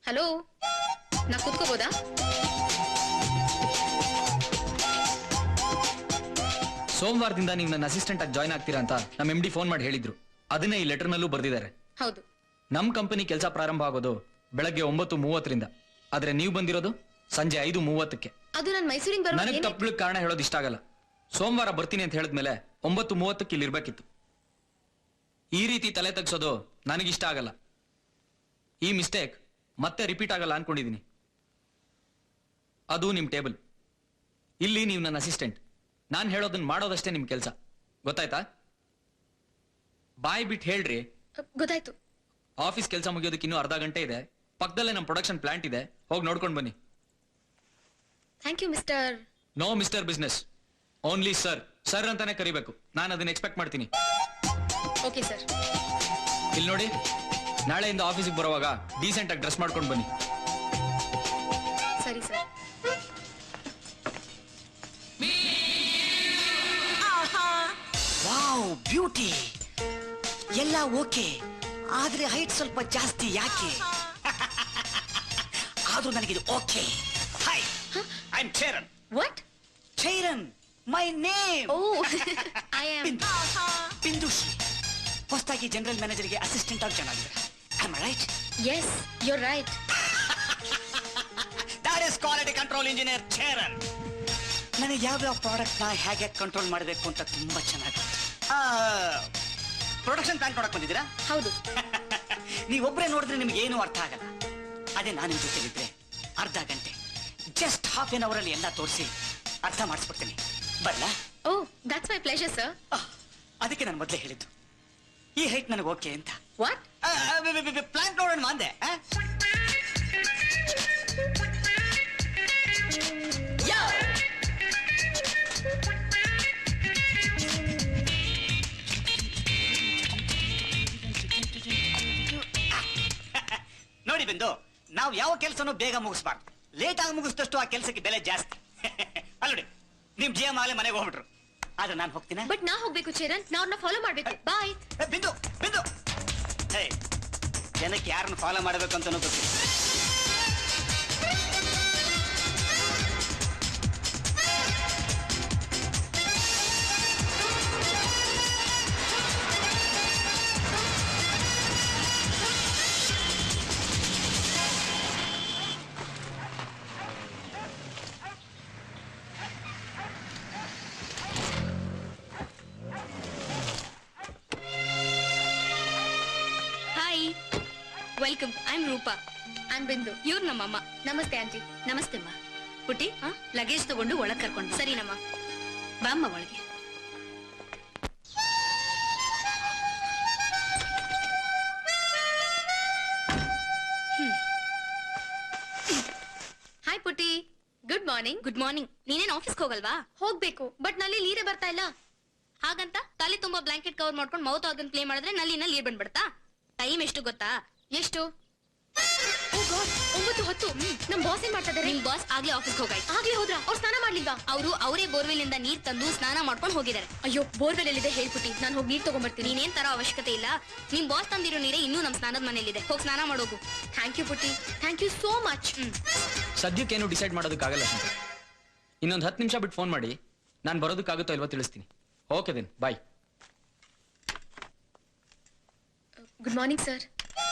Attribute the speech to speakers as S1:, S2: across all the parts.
S1: Hello, ನಾ ಕೂತ್ಕೋಬೋದಾ?
S2: ಸೋಮವಾರದಿಂದ ನೀವು ನನ್ನ ಅಸಿಸ್ಟೆಂಟ್ ಆಗಿ ಜಾಯ್ನ್ ಆಗ್ತೀರಾ ಅಂತ ನಮ್ಮ MD ಫೋನ್ ಮಾಡಿ ಹೇಳಿದ್ರು. ಅದನ್ನೇ ಈ ಲೆಟರ್ ನಲ್ಲೂ ಬರ್ದಿದ್ದಾರೆ.
S1: ಹೌದು.
S2: ನಮ್ ಕಂಪನಿ ಕೆಲಸ ಪ್ರಾರಂಭ ಆಗೋದು ಬೆಳಗ್ಗೆ 9:30ರಿಂದ. ಆದ್ರೆ ನೀವು ಬಂದಿರೋದು ಸಂಜೆ 5:30ಕ್ಕೆ.
S1: ಅದು ನಾನು ಮೈಸೂರಿಂದ ಬರೋ
S2: ನನಗೆ ತಪ್ಪಲಿಕ್ಕೆ ಕಾರಣ ಹೇಳೋದು ಇಷ್ಟ ಆಗಲ್ಲ. ಸೋಮವಾರ ಬರ್ತೀನಿ ಅಂತ ಹೇಳಿದ್ಮೇಲೆ 9:30ಕ್ಕೆ ಇಲ್ಲಿ ಇರ್ಬೇಕಿತ್ತು. ಈ ರೀತಿ ತಲೆ ತಗ್ಸೋದು ನನಗಿಷ್ಟ ಆಗಲ್ಲ. ಈ ಮಿಸ್ಟೇಕ್ ಮತ್ತೆ ರಿಪೀಟ್ ಆಗಲ್ಲ ಅನ್ಕೊಂಡಿದೀನಿ. ಅದು ನಿಮ್ ಟೇಬಲ್. ಇಲ್ಲಿ ನೀವು ನನ್ನ ಅಸಿಸ್ಟೆಂಟ್. ನಾನು ಹೇಳೋದನ್ನ ಮಾಡೋದಷ್ಟೇ ನಿಮ್ ಕೆಲಸ. ಗೊತ್ತಾಯ್ತಾ? ಬಾಯ್ ಬಿಟ್ಟು ಹೇಳ್ರಿ.
S1: ಗೊತ್ತಾಯ್ತು.
S2: ಆಫೀಸ್ ಕೆಲಸ ಮುಗಿಯೋದಕ್ಕೆ ಇನ್ನೂ ಅರ್ಧ ಗಂಟೆ ಇದೆ. ಪಕ್ಕದಲ್ಲೇ ನಮ್ಮ ಪ್ರೊಡಕ್ಷನ್ ಪ್ಲಾಂಟ್ ಇದೆ, ಹೋಗಿ ನೋಡ್ಕೊಂಡು ಬನ್ನಿ.
S1: Thank you mister.
S2: No mister business, only sir. Sir ಅಂತಾನೆ ಕರಿಬೇಕು. ನಾನು ಅದನ್ನ ಎಕ್ಸ್ಪೆಕ್ಟ್ ಮಾಡ್ತೀನಿ.
S1: Okay sir.
S2: ಇಲ್ಲಿ ನೋಡಿ, ನಾಳೆಯಿಂದ ಆಫೀಸಿಗೆ ಬರುವಾಗ ಡೀಸೆಂಟ್ ಆಗಿ ಡ್ರೆಸ್ ಮಾಡ್ಕೊಂಡು ಬನ್ನಿ.
S1: ಸರಿ ಸರ್.
S3: ವಾವ್, ಬ್ಯೂಟಿ ಎಲ್ಲ ಓಕೆ, ಆದ್ರೆ ಹೈಟ್ ಸ್ವಲ್ಪ ಜಾಸ್ತಿ ಯಾಕೆ? ಆದ್ರೂ ನನಗಿದು okay. Hi, I am Cheran.
S1: What?
S3: Cheran, my name.
S1: Oh, I am
S3: Bindushree. ಹೊಸದಾಗಿ ಜನರಲ್ ಮ್ಯಾನೇಜರ್ಗೆ ಅಸಿಸ್ಟೆಂಟ್ ಆಗಿ ಚೆನ್ನಾಗಿದೆ. Am I right?
S1: Yes, you are right.
S3: That is quality control engineer Cheran. ನನಗೆ ಯಾವ್ಯಾವ ಪ್ರಾಡಕ್ಟ್ ನ ಹೇಗೆ ಕಂಟ್ರೋಲ್ ಮಾಡಬೇಕು ಅಂತ ತುಂಬಾ ಚೆನ್ನಾಗಿ. ಪ್ರೊಡಕ್ಷನ್ ಪ್ಲಾಂಟ್ ನೋಡಕ್ ಬಂದಿದ್ದೀರಾ?
S1: ಹೌದು.
S3: ನೀವೊಬ್ಬರೇ ನೋಡಿದ್ರೆ ನಿಮ್ಗೆ ಏನು ಅರ್ಥ ಆಗಲ್ಲ. ಅದೇ ನಾನು ನಿಮ್ ಜೊತೆಲಿದ್ರೆ ಅರ್ಧ ಗಂಟೆ, ಜಸ್ಟ್ ಹಾಫ್ ಎನ್ ಅವರ್ ಅಲ್ಲಿ ಎಲ್ಲ ತೋರಿಸಿ ಅರ್ಥ ಮಾಡಿಸ್ಬಿಡ್ತೀನಿ. ಬರ್ಲಾ?
S1: Oh, that's my pleasure sir.
S3: ಅದಕ್ಕೆ ನಾನು ಮೊದಲೇ ಹೇಳಿದ್ದು ಈ ಹೈಟ್ ನನಗೆ ಓಕೆ ಅಂತ.
S1: ವಾಟ್?
S3: ಪ್ಲಾಂಟ್ ನೋಡೋಣ ಅಂದೆ. ನೋಡಿ ಬಿಂದು, ನಾವು ಯಾವ ಕೆಲಸನೂ ಬೇಗ ಮುಗಿಸ್ಬಾರ್ದು. ಲೇಟ್ ಆಗಿ ಮುಗಿಸಿದಷ್ಟು ಆ ಕೆಲಸಕ್ಕೆ ಬೆಲೆ ಜಾಸ್ತಿ. ಅಲ್ಲೋಡಿ, ನಿಮ್ GM ಆಗಲೇ ಮನೆಗೆ ಹೋಗ್ಬಿಟ್ರು. ಆದ್ರೆ ನಾನು ಹೋಗ್ತೀನಿ.
S1: ಬಟ್ ನಾ ಹೋಗ್ಬೇಕು ಚೇರನ್, ನಾ ಅವ್ರನ್ನ ಫಾಲೋ ಮಾಡ್ಬೇಕು. ಬಾಯ್.
S3: ಬಿಂದು ಬಿಂದು, ಜನಕ್ಕೆ ಯಾರನ್ನು ಫಾಲೋ ಮಾಡಬೇಕು ಅಂತಾನೂ ಗೊತ್ತಿಲ್ಲ.
S1: Welcome. I am Roopa. I am Bindu. ಇವ್ರು ನಮ್ಮಮ್ಮ. ನಮಸ್ತೆ ಆಂಟಿ. ನಮಸ್ತೆ ಅಮ್ಮ. ಪುಟ್ಟಿ, ಲಗೇಜ್ ತಗೊಂಡು ಒಳಗೆ ಕರ್ಕೊಂಡು. ಸರಿನಮ್ಮ, ಬಾಮ್ಮ ಒಳಗೆ. ಹಾಯ್ ಪುಟ್ಟಿ. Good morning. Good morning. ನೀನೇನ್ ಆಫೀಸ್ಗೆ ಹೋಗಲ್ವಾ? ಹೋಗ್ಬೇಕು, ಬಟ್ ನಲ್ಲಿ ನೀರೇ ಬರ್ತಾ ಇಲ್ಲ. ಹಾಗಂತ ತಲೆ ತುಂಬಾ ಬ್ಲಾಂಕೆಟ್ ಕವರ್ ಮಾಡ್ಕೊಂಡು ಮೌತ್ ಆರ್ಗನ್ ಪ್ಲೇ ಮಾಡಿದ್ರೆ ನಲ್ಲಿನ ನೀರ್ ಬಂದ್ಬಿಡ್ತಾ? ಟೈಮ್ ಎಷ್ಟು ಗೊತ್ತಾ? ಎಷ್ಟು? 9:10. ನಮ್ ಬಾಸ್ ಏನ್ ಮಾಡ್ತಾ ಇದಾರೆ? ನಿಮ್ ಬಾಸ್ ಆಗ್ಲೇ ಆಫೀಸ್ಗೆ ಹೋಗಾಯ್ತು. ಆಗ್ಲೇ ಹೋದ್ರ? ಅವ್ರು ಸ್ನಾನ ಮಾಡ್ಲಿಲ್ವಾ? ಅವರೇ ಬೋರ್ವೆಲ್ ಇಂದ ನೀರ್ ತಂದು ಸ್ನಾನ ಮಾಡ್ಕೊಂಡು ಹೋಗಿದ್ದಾರೆ. ಅಯ್ಯೋ, ಬೋರ್ವೆಲ್ ಎಲ್ಲಿದೆ ಹೇಳ್ಬಿಟ್ಟಿ, ನಾನು ಹೋಗಿ ನೀರ್ ತಗೊಂಡ್ಬರ್ತೀನಿ. ನೀನೇನ್ ತರ ಅವಶ್ಯಕತೆ ಇಲ್ಲ. ನಿಮ್ ಬಾಸ್ ತಂದಿರೋ ನೀರೇ ಇನ್ನೂ ನಮ್ ಸ್ನಾನದ ಮನೆಯಲ್ಲಿದೆ. ಹೋಗಿ ಸ್ನಾನ ಮಾಡೋಗು. ಥ್ಯಾಂಕ್ ಯು ಪುಟ್ಟಿ, ಥ್ಯಾಂಕ್ ಯು ಸೋ ಮಚ್.
S2: ಸದ್ಯಕ್ಕೇನು ಡಿಸೈಡ್ ಮಾಡೋದಕ್ಕಾಗಲ್ಲ ಶಂಕರ್. ಇನ್ನೊಂದು 10 ನಿಮಿಷ ಬಿಟ್ಟು ಫೋನ್ ಮಾಡಿ, ನಾನು ಬರೋದಕ್ಕಾಗುತ್ತೋ ಇಲ್ವೋ ತಿಳಿಸ್ತೀನಿ. Okay then, bye.
S1: Good morning sir.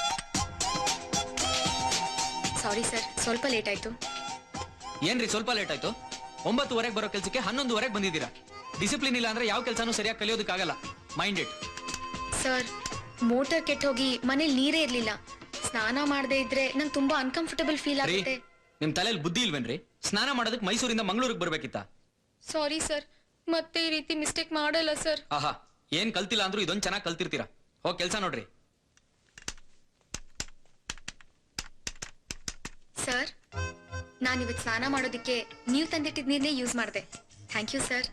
S1: Sorry sir, ಸ್ವಲ್ಪ ಲೇಟ್ ಆಯ್ತು.
S2: ಏನ್ರಿ ಸ್ವಲ್ಪ ಲೇಟ್ ಆಯ್ತು? 9:30ಕ್ಕೆ ಬರೋ ಕೆಲಸಕ್ಕೆ 11:30ಕ್ಕೆ ಬಂದಿದ್ದೀರಾ. ಡಿಸಿಪ್ಲಿನ್ ಇಲ್ಲ ಅಂದ್ರೆ ಯಾವ ಕೆಲಸನೂ ಸರಿಯಾಗಿ ಕಲಿಯೋದಕ್ಕಾಗಲ್ಲ. Mind it.
S1: ಸರ್, ಮೋಟರ್ ಕೆಟ್ಟ ಹೋಗಿ ಮನೇಲಿ ನೀರೇ ಇರ್ಲಿಲ್ಲ. ಸ್ನಾನ ಮಾಡದೇ ಇದ್ರೆ ನಂಗೆ ತುಂಬಾ ಅನ್ಕಂಫರ್ಟಬಲ್ ಫೀಲ್ ಆಗುತ್ತೆ.
S2: ನಿಮ್ ತಲೆಯಲ್ಲಿ ಬುದ್ಧಿ ಇಲ್ವೇನ್ರಿ? ಸ್ನಾನ ಮಾಡೋದಕ್ಕೆ ಮೈಸೂರಿಂದ ಮಂಗಳೂರಿಗೆ ಬರ್ಬೇಕಿತ್ತ?
S1: ಸಾರಿ ಸರ್, ಮತ್ತೆ ಈ ರೀತಿ ಮಿಸ್ಟೇಕ್ ಮಾಡಲ್ಲ ಸರ್.
S2: ಆಹಾ, ಏನ್ ಕಲ್ತಿಲ್ಲ ಅಂದ್ರೂ ಇದೊಂದು ಚೆನ್ನಾಗಿ ಕಲ್ತಿರ್ತೀರಾ. ಹೋಗಿ ಕೆಲಸ ನೋಡ್ರಿ.
S1: ಸರ್, ನಾನಿವತ್ತು ಸ್ನಾನ ಮಾಡೋದಿಕ್ಕೆ ನೀವು ತಂದಿಟ್ಟಿದ ನೀರನ್ನೇ ಯೂಸ್ ಮಾಡಿದೆ. Thank you sir.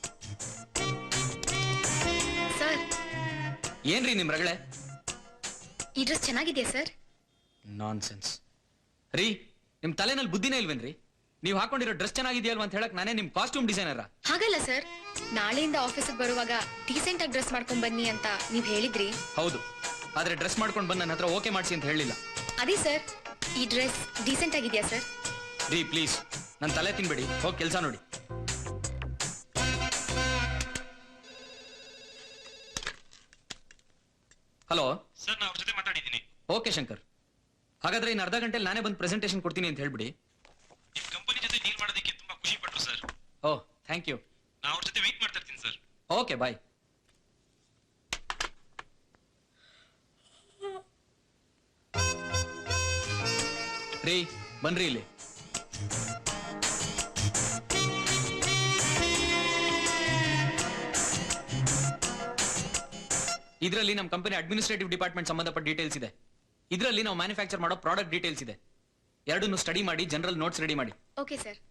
S1: ಸರ್,
S2: ಏನ್ರಿ ನಿಮ್ ರಗಳೆ?
S1: ಈ ಡ್ರೆಸ್ ಚೆನ್ನಾಗಿದೆಯಾ ಸರ್?
S2: ನಾನ್ಸೆನ್ಸ್ ರೀ, ನಿಮ್ ತಲೆನಲ್ಲಿ ಬುದ್ಧಿನೇ ಇಲ್ವೇನ್ರಿ? ನೀವು ಹಾಕೊಂಡಿರೋ ಡ್ರೆಸ್ ಚೆನ್ನಾಗಿದೆಯಲ್ವಾ ಅಂತ ಹೇಳಕ್ ನಾನೇ ನಿಮ್ ಕಾಸ್ಟ್ಯೂಮ್ ಡಿಸೈನರ?
S1: ಹಾಗಲ್ಲ ಸರ್, ನಾಳೆಯಿಂದ ಆಫೀಸಿಗೆ ಬರುವಾಗ ಡೀಸೆಂಟ್ ಆಗಿ ಡ್ರೆಸ್ ಮಾಡ್ಕೊಂಡ್ ಬನ್ನಿ ಅಂತ ನೀವ್ ಹೇಳಿದ್ರಿ.
S2: ಹೌದು, ಆದ್ರೆ ಡ್ರೆಸ್ ಮಾಡ್ಕೊಂಡು ಬಂದು ನನ್ನ ಹತ್ರ ಓಕೆ ಮಾಡಿಸಿ ಅಂತ ಹೇಳಿಲ್ಲ.
S1: ಅದೇ ಸರ್, ಈ ಡ್ರೆಸ್ ಡೀಸೆಂಟ್ ಆಗಿದೆಯಾ ಸರ್?
S2: ರೀ ಪ್ಲೀಸ್ ನನ್ನ ತಲೆ ತಿನ್ಬೇಡಿ, ಹೋಗಿ ಕೆಲಸ ನೋಡಿ. ಹಲೋ
S4: ಸರ್, ನಾ ಅವ್ರ ಜೊತೆ ಮಾತಾಡಿದ್ದೀನಿ.
S2: ಓಕೆ ಶಂಕರ್, ಹಾಗಾದ್ರೆ ಇನ್ನು ಅರ್ಧ ಗಂಟೆಲಿ ನಾನೇ ಬಂದು ಪ್ರೆಸೆಂಟೇಷನ್ ಕೊಡ್ತೀನಿ ಅಂತ ಹೇಳ್ಬಿಡಿ.
S4: ನಿಮ್ ಕಂಪನಿ ಜೊತೆ ಡೀಲ್ ಮಾಡೋದಕ್ಕೆ ತುಂಬಾ ಖುಷಿ ಪಟ್ರು ಸರ್.
S2: Oh thank you.
S4: ನಾ ಅವ್ರ ಜೊತೆ ವೆಯ್ಟ್ ಮಾಡ್ತಾ ಇರ್ತೀನಿ ಸರ್.
S2: Okay bye. ರೀ ಬನ್ರಿ ಇಲ್ಲಿ. ಇದರಲ್ಲಿ ನಮ್ಮ ಕಂಪನಿ ಅಡ್ಮಿನಿಸ್ಟ್ರೇಟಿವ್ ಡಿಪಾರ್ಟ್ಮೆಂಟ್ ಸಂಬಂಧಪಟ್ಟ ಡೀಟೇಲ್ಸ್ ಇದೆ. ಇದರಲ್ಲಿ ನಾವು ಮ್ಯಾನುಫ್ಯಾಕ್ಚರ್ ಮಾಡೋ ಪ್ರಾಡಕ್ಟ್ ಡೀಟೇಲ್ಸ್ ಇದೆ. ಎರಡನ್ನು ಸ್ಟಡಿ ಮಾಡಿ ಜನರಲ್ ನೋಟ್ಸ್ ರೆಡಿ ಮಾಡಿ.
S1: Okay sir.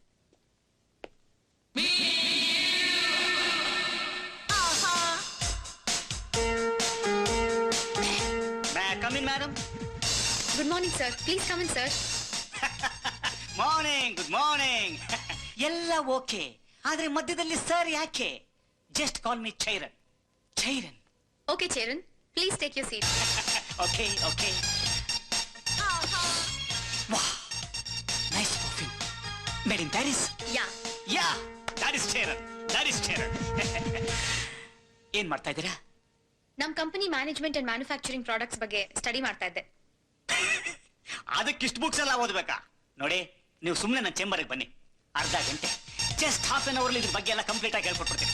S3: Come in madam.
S1: Good morning sir, please come in sir.
S3: Morning, good morning. ಎಲ್ಲ ಓಕೆ, ಆದ್ರೆ ಮಧ್ಯದಲ್ಲಿ ಸರ್ ಯಾಕೆ? Just call me Chairan. Chairan.
S1: Okay Cheran, please take your seat.
S3: Okay okay. Wow, nice perfume. Made in Paris.
S1: Yeah.
S3: Yeah, that is Chairan, that is Chairan. ಏನ್ ಮಾಡ್ತಾ ಇದ್ದೀರಾ?
S1: ನಮ್ಮ company management and manufacturing products ಬಗ್ಗೆ study ಮಾಡ್ತಾ ಇದ್ದೆ.
S3: ಅದಕ್ಕೆ ಇಷ್ಟು ಬುಕ್ಸ್ ಎಲ್ಲ ಓದ್ಬೇಕಾ? ನೋಡಿ, ನೀವು ಸುಮ್ಮನೆ ನನ್ನ ಚೇಂಬರ್ಗೆ ಬನ್ನಿ, ಅರ್ಧ ಗಂಟೆ, ಜಸ್ಟ್ ಹಾಫ್ ಅನ್ ಅವರ್ಲಿ ಇದ್ರ ಬಗ್ಗೆ ಎಲ್ಲ ಕಂಪ್ಲೀಟ್ ಆಗಿ ಹೇಳ್ಕೊಟ್ಬಿಡ್ತೀನಿ.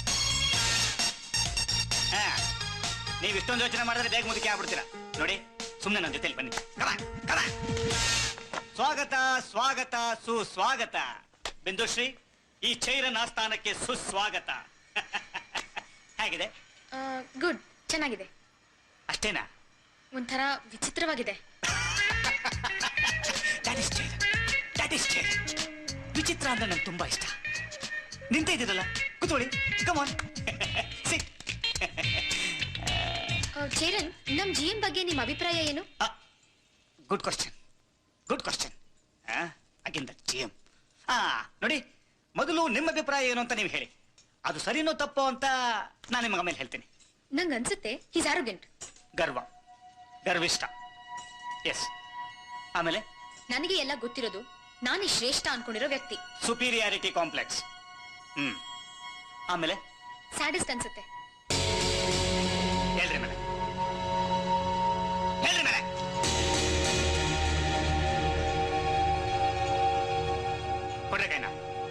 S3: ಹಾ, ನೀವು ಇಷ್ಟೊಂದು ಯೋಚನೆ ಮಾಡಿದ್ರೆ ಬೇಗ ಮುದುಕಿ ಆಗ್ಬಿಡ್ತೀರಾ. ನೋಡಿ, ಸುಮ್ಮನೆ ನನ್ನ ಜೊತೆಲಿ ಬನ್ನಿ. ಕಮ. ಸ್ವಾಗತ ಸ್ವಾಗತ ಸುಸ್ವಾಗತ. ಬಿಂದುಶ್ರೀ, ಈ ಚೈರನ್ ಆಸ್ಥಾನಕ್ಕೆ ಸುಸ್ವಾಗತ. ಹೇಗಿದೆ?
S1: ಗುಡ್, ಚೆನ್ನಾಗಿದೆ.
S3: ಅಷ್ಟೇನಾ?
S1: ಒಂಥರ ವಿಚಿತ್ರವಾಗಿದೆ.
S3: That is ಚೈರನ್. ವಿಚಿತ್ರ ಅಂದ್ರೆ ನಂಗೆ ತುಂಬಾ ಇಷ್ಟ. ನಿಂತ ಇದ್ದೀರಲ್ಲ, ಕೂತ್ಕೊಳ್ಳಿ. ಕಮಾನ್, ಸಿಟ್.
S1: ಚೇರನ್, ನಮ್ GM ಬಗ್ಗೆ ನಿಮ್ಮ ಅಭಿಪ್ರಾಯ ಏನು?
S3: Good question, good question. Again that GM. ನೋಡಿ, ಮೊದಲು ನಿಮ್ಮ ಅಭಿಪ್ರಾಯ ಏನು ಅಂತ ನೀವು ಹೇಳಿ. ಅದು ಸರಿನೋ ತಪ್ಪೋ ಅಂತ ನಾನು ನಿಮಗೆ ಆಮೇಲೆ ಹೇಳ್ತೀನಿ.
S1: ನಂಗೆ ಅನ್ಸುತ್ತೆ ಹೀಸ್ ಆರೋಗ್ಯಂಟ್.
S3: ಗರ್ವಿಷ್ಟ. ಎಸ್. ಆಮೇಲೆ
S1: ನನಗೆ ಎಲ್ಲ ಗೊತ್ತಿರೋದು ನಾನೇ ಶ್ರೇಷ್ಠ ಅನ್ಕೊಂಡಿರೋ ವ್ಯಕ್ತಿ.
S3: Superiority complex. ಆಮೇಲೆ
S1: ಸ್ಯಾಡಿಸ್ಟ್ ಅನ್ಸುತ್ತೆ.
S3: ಹೇಳ್ರಿ ಮೇಲೆ, ಹೇಳ್ರಿ ಮೇಲೆ. ಕೊಡ್ರಿ ಕೈನ.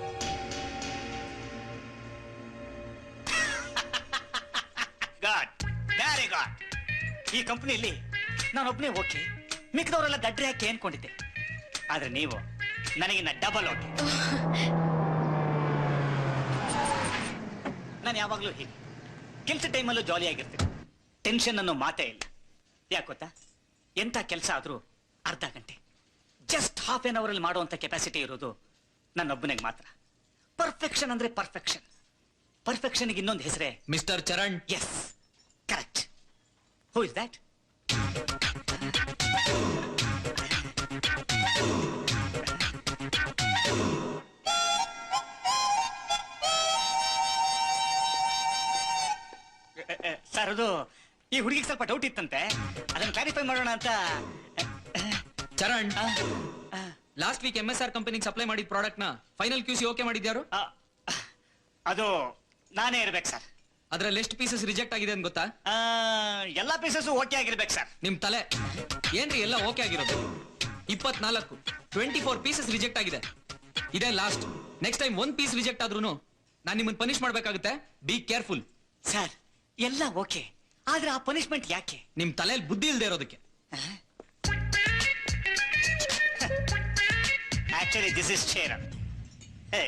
S3: Good, very good. ಈ ಕಂಪನಿಯಲ್ಲಿ ನಾನೊಬ್ಬನೇ ಓಕೆ, ಮಿಕ್ಕದವರೆಲ್ಲ ದಡ್ರೆ ಹಾಕಿ ಅನ್ಕೊಂಡಿದ್ದೆ. ಆದ್ರೆ ನೀವು ನನಗಿನ್ನ ಡಬಲ್ ಓಕೆ. ನಾನು ಯಾವಾಗ್ಲೂ ಹೀಗೆ ಕೆಲಸ ಟೈಮಲ್ಲೂ ಜಾಲಿ ಆಗಿರ್ತೀನಿ. ಟೆನ್ಷನ್ ಅನ್ನೋ ಮಾತೇ ಇಲ್ಲ. ಯಾಕೆ ಗೊತ್ತಾ? ಎಂಥ ಕೆಲಸ ಆದ್ರೂ ಅರ್ಧ ಗಂಟೆ, ಜಸ್ಟ್ ಹಾಫ್ ಎನ್ ಅವರಲ್ಲಿ ಮಾಡುವಂತ ಕೆಪಾಸಿಟಿ ಇರೋದು ನನ್ನೊಬ್ಬನಿಗೆ ಮಾತ್ರ. ಪರ್ಫೆಕ್ಷನ್ ಅಂದ್ರೆ ಪರ್ಫೆಕ್ಷನ್. ಪರ್ಫೆಕ್ಷನ್ಗೆ ಇನ್ನೊಂದು ಹೆಸರೇ
S2: mister Charan.
S3: Yes, correct. Who is that? Sir, ಅದು ಈ ಹುಡುಗಿಗೆ ಸ್ವಲ್ಪ ಡೌಟ್ ಇತ್ತಂತೆ, ಅದನ್ನು ಕ್ಲಾರಿಫೈ ಮಾಡೋಣ ಅಂತ.
S2: ಚರಣ್, ಲಾಸ್ಟ್ ವೀಕ್ MSR ಕಂಪನಿಗೆ ಸಪ್ಲೈ ಮಾಡಿದ ಪ್ರಾಡಕ್ಟ್ ನ ಫೈನಲ್ QC ಓಕೆ ಮಾಡಿದ್ಯಾರು?
S3: ಅದು ನಾನೇ ಇರ್ಬೇಕು ಸರ್.
S2: ಅದ್ರಲ್ಲಿ ಎಷ್ಟು ಪೀಸಸ್ ರಿಜೆಕ್ಟ್ ಆಗಿದೆ ಅಂತ ಗೊತ್ತಾ?
S3: ಎಲ್ಲಾ ಪೀಸಸ್ ಓಕೆ ಆಗಿರ್ಬೇಕು ಸರ್.
S2: ನಿಮ್ ತಲೆ ಏನ್ರಿ ಎಲ್ಲ ಓಕೆ ಆಗಿರೋದು? 24, 24 ಪೀಸಸ್ ರಿಜೆಕ್ಟ್ ಆಗಿದೆ. ಇದೇ last. Next time 1 piece reject ಆದ್ರೂ ನಾನು ನಿಮ್ಮನ್ನ ಪನಿಷ್ ಮಾಡ್ಬೇಕಾಗುತ್ತೆ. Be careful.
S3: ಸರ್, ಎಲ್ಲ ಓಕೆ, ಆದ್ರೆ ಆ ಪನಿಷ್ಮೆಂಟ್ ಯಾಕೆ?
S2: ನಿಮ್ ತಲೆಯಲ್ಲಿ ಬುದ್ಧಿ ಇಲ್ದೇ ಇರೋದಕ್ಕೆ.
S3: Actually this is Cheran. Hey,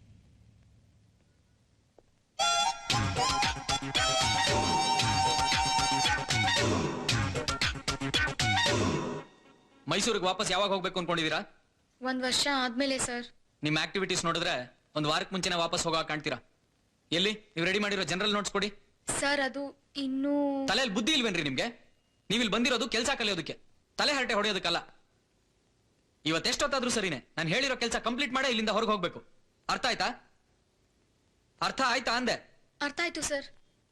S2: ಮೈಸೂರಿಗೆ ವಾಪಸ್ ಯಾವಾಗ ಹೋಗ್ಬೇಕು ಅನ್ಕೊಂಡಿದೀರಾ?
S1: 1 ವರ್ಷ ಆದ್ಮೇಲೆ ಸರ್.
S2: ನಿಮ್ ಆಕ್ಟಿವಿಟೀಸ್ ನೋಡಿದ್ರೆ ಒಂದು ವಾರಕ್ಕೆ ಮುಂಚೆನೆ ವಾಪಸ್ ಹೋಗೋ ಕಾಣ್ತೀರಾ. ಎಲ್ಲಿ ನೀವು ರೆಡಿ ಮಾಡಿರೋ ಜನರಲ್ ನೋಟ್ಸ್ ಕೊಡಿ.
S1: ಸರ್, ಅದು ಇನ್ನೂ
S2: ತಲೆಯಲ್ಲಿ ಬುದ್ಧಿ ಇಲ್ವೇನ್ರಿ ನಿಮ್ಗೆ? ನೀವಿಲ್ಲಿ ಬಂದಿರೋದು ಕೆಲಸ ಕಲಿಯೋದಕ್ಕೆ, ತಲೆ ಹರಟೆ ಹೊಡೆಯೋದಕ್ಕಲ್ಲ. ಇವತ್ತೆಷ್ಟೊತ್ತಾದ್ರೂ ಸರಿನೇ, ನಾನು ಹೇಳಿರೋ ಕೆಲಸ ಕಂಪ್ಲೀಟ್ ಮಾಡೇ ಇಲ್ಲಿಂದ ಹೊರಗೆ ಹೋಗ್ಬೇಕು. ಅರ್ಥ ಆಯ್ತಾ? ಅರ್ಥ ಆಯ್ತಾ ಅಂದೆ?
S1: ಅರ್ಥ ಆಯ್ತು sir.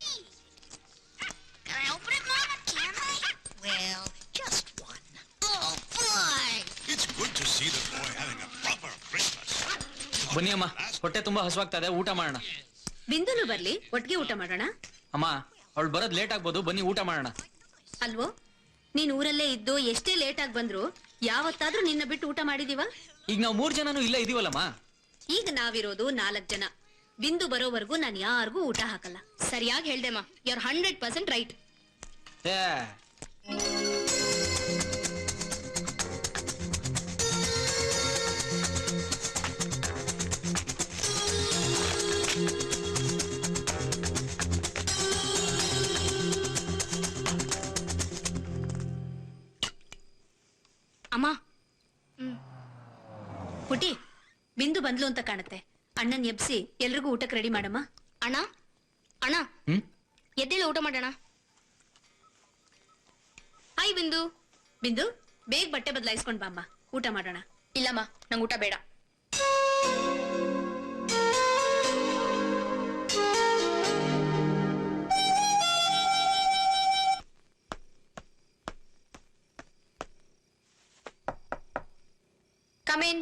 S5: Can I open it, Mom? Can I? Well, just one. Oh, boy!
S6: It's good
S5: see the boy having a proper Christmas.
S2: ಬನ್ನಿ ಅಮ್ಮ, ಹೊಟ್ಟೆ ತುಂಬಾ ಹಸುವಾಗ್ತಾ ಇದೆ, ಊಟ ಮಾಡೋಣ.
S6: ಬಿಂದುನು ಬರ್ಲಿ, ಒಟ್ಟಿಗೆ ಊಟ ಮಾಡೋಣ.
S2: ಅಮ್ಮ, ಅವಳು ಬರೋದ್ ಲೇಟ್ ಆಗ್ಬೋದು, ಬನ್ನಿ ಊಟ ಮಾಡೋಣ.
S6: ಅಲ್ವೋ, ನೀನ್ ಊರಲ್ಲೇ ಇದ್ದು ಎಷ್ಟೇ ಲೇಟ್ ಆಗಿ ಬಂದ್ರು ಯಾವತ್ತಾದ್ರೂ ನಿನ್ನ ಬಿಟ್ಟು ಊಟ ಮಾಡಿದೀವ?
S2: ಈಗ ನಾವು 3 ಜನನು ಇಲ್ಲೇ ಇದೀವಲ್ಲಮ್ಮ.
S6: ಈಗ ನಾವಿರೋದು 4 ಜನ. ಬಿಂದು ಬರೋವರೆಗೂ ನಾನು ಯಾರಿಗೂ ಊಟ ಹಾಕಲ್ಲ.
S1: ಸರಿಯಾಗಿ ಹೇಳ್ದೆಮ್ಮ, ಯು ಆರ್ 100% ರೈಟ್.
S2: ಏ
S1: ಅಮ್ಮ,
S6: ಪುಟಿ, ಬಿಂದು ಬಂದ್ಲು ಅಂತ ಕಾಣುತ್ತೆ. ಅಣ್ಣನ್ ಎಬ್ಸಿ ಎಲ್ರಿಗೂ ಊಟಕ್ಕೆ ರೆಡಿ ಮಾಡಮ್ಮ.
S1: ಅಣ್ಣ ಅಣ್ಣ,
S2: ಹ್ಮ್
S1: ಎದ್ದೇಳು, ಊಟ ಮಾಡೋಣ. ಹಾಯ್ ಬಿಂದು.
S6: ಬಿಂದು, ಬೇಗ ಬಟ್ಟೆ ಬದಲಾಯಿಸ್ಕೊಂಡ್ ಬಾಮ್ಮ, ಊಟ ಮಾಡೋಣ.
S1: ಇಲ್ಲಮ್ಮ, ನಂಗೆ ಊಟ ಬೇಡ. Come in.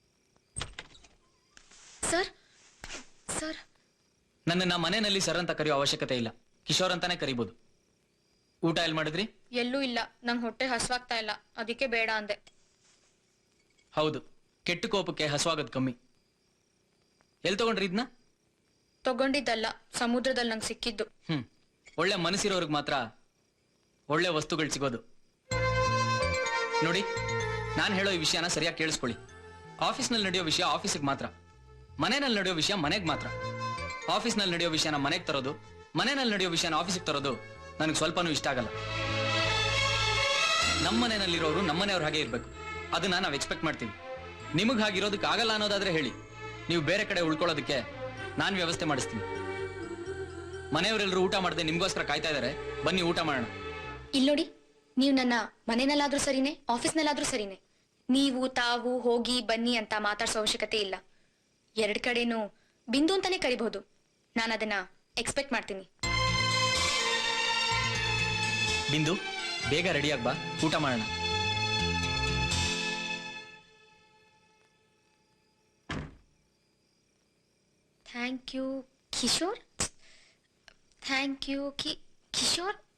S1: ಸರ್ ಸರ್,
S2: ನನ್ನನ್ನ ಮನೆಯಲ್ಲಿ ಸರ್ ಅಂತ ಕರೆಯೋ ಅವಶ್ಯಕತೆ ಇಲ್ಲ, ಕಿಶೋರ್ ಅಂತಾನೆ ಕರಿಬಹುದು. ಊಟ ಎಲ್ಲಿ ಮಾಡಿದ್ರಿ?
S1: ಎಲ್ಲೂ ಇಲ್ಲ, ನಂಗೆ ಹೊಟ್ಟೆ ಹಸ್ವಾಗ್ತಾ ಇಲ್ಲ, ಅದಕ್ಕೆ ಬೇಡ ಅಂದೆ.
S2: ಹೌದು, ಕೆಟ್ಟ ಕೋಪಕ್ಕೆ ಹಸುವಾಗೋದು ಕಮ್ಮಿ. ಎಲ್ಲಿ ತಗೊಂಡ್ರಿ ಇದನ್ನ?
S1: ತಗೊಂಡಿದ್ದಲ್ಲ, ಸಮುದ್ರದಲ್ಲಿ ನಂಗೆ ಸಿಕ್ಕಿದ್ದು.
S2: ಒಳ್ಳೆ ಮನಸ್ಸಿರೋರ್ಗ್ ಮಾತ್ರ ಒಳ್ಳೆ ವಸ್ತುಗಳು ಸಿಗೋದು. ನೋಡಿ, ನಾನು ಹೇಳೋ ಈ ವಿಷಯನ ಸರಿಯಾಗಿ ಕೇಳಿಸ್ಕೊಳ್ಳಿ. ಆಫೀಸ್ನಲ್ಲಿ ನಡೆಯೋ ವಿಷಯ ಆಫೀಸಿಗೆ ಮಾತ್ರ, ಮನೆಯಲ್ಲಿ ನಡೆಯೋ ವಿಷಯ ಮನೆಗೆ ಮಾತ್ರ. ಆಫೀಸ್ನಲ್ಲಿ ನಡೆಯೋ ವಿಷಯನ ಮನೆಗೆ ತರೋದು, ಮನೆಯಲ್ಲಿ ನಡೆಯೋ ವಿಷಯನ ಆಫೀಸಿಗೆ ತರೋದು ನನಗೆ ಸ್ವಲ್ಪನೂ ಇಷ್ಟ ಆಗಲ್ಲ. ನಮ್ಮ ಮನೆಯಲ್ಲಿರೋರು ನಮ್ಮನೆಯವ್ರ ಹಾಗೆ ಇರಬೇಕು, ಅದನ್ನ ನಾವು ಎಕ್ಸ್ಪೆಕ್ಟ್ ಮಾಡ್ತೀವಿ. ನಿಮಗೆ ಹಾಗಿರೋದಕ್ಕೆ ಆಗಲ್ಲ ಅನ್ನೋದಾದ್ರೆ ಹೇಳಿ, ನೀವು ಬೇರೆ ಕಡೆ ಉಳ್ಕೊಳ್ಳೋದಕ್ಕೆ ನಾನು ವ್ಯವಸ್ಥೆ ಮಾಡಿಸ್ತೀನಿ. ಮನೆಯವರೆಲ್ಲರೂ ಊಟ ಮಾಡದೆ ನಿಮ್ಗೋಸ್ಕರ ಕಾಯ್ತಾ ಇದ್ದಾರೆ, ಬನ್ನಿ ಊಟ ಮಾಡೋಣ.
S1: ಇಲ್ಲಿ ನೋಡಿ, ನೀವು ನನ್ನ ಮನೆಯಲ್ಲಾದ್ರೂ ಸರಿನೇ, ಆಫೀಸ್ನಲ್ಲಾದ್ರೂ ಸರಿನೇ, ನೀವು ತಾವು ಹೋಗಿ ಬನ್ನಿ ಅಂತ ಮಾತಾಡ್ಸೋ ಅವಶ್ಯಕತೆ ಇಲ್ಲ. 2 ಕಡೆನೂ ಬಿಂದು ಅಂತಾನೆ ಕರಿಬಹುದು. ನಾನು ಅದನ್ನ ಎಕ್ಸ್ಪೆಕ್ಟ್ ಮಾಡ್ತೀನಿ.
S2: ಬಿಂದು, ಬೇಗ ರೆಡಿಯಾಗಿ ಬಾ, ಊಟ ಮಾಡೋಣ.
S1: Thank you Kishore. Thank you Kishore.